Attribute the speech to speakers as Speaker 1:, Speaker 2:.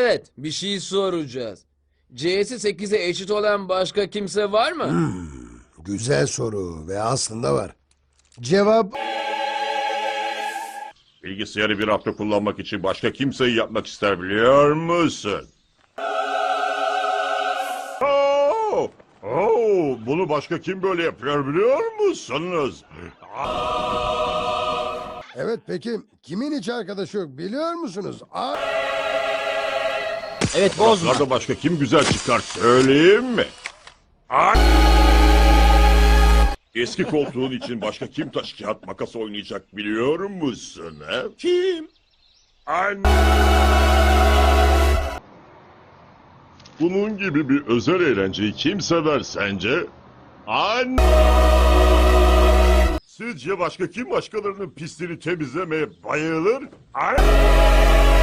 Speaker 1: Evet, bir şey soracağız. C'si 8'e eşit olan başka kimse var mı?
Speaker 2: Güzel soru ve aslında var. Cevap
Speaker 3: Bilgisayarı bir hafta kullanmak için başka kimseyi yapmak ister biliyor musun? Bunu başka kim böyle yapıyor biliyor musunuz?
Speaker 2: evet, peki kimin hiç arkadaşı yok biliyor musunuz?
Speaker 4: Evet, bozma.
Speaker 3: Raflarda başka kim güzel çıkar söyleyeyim mi? Eski koltuğun için başka kim taş kağıt makas oynayacak biliyor musun? He? Kim? Bunun gibi bir özel eğlenceyi kim sever sence? Sizce başka kim başkalarının pisliğini temizlemeye bayılır?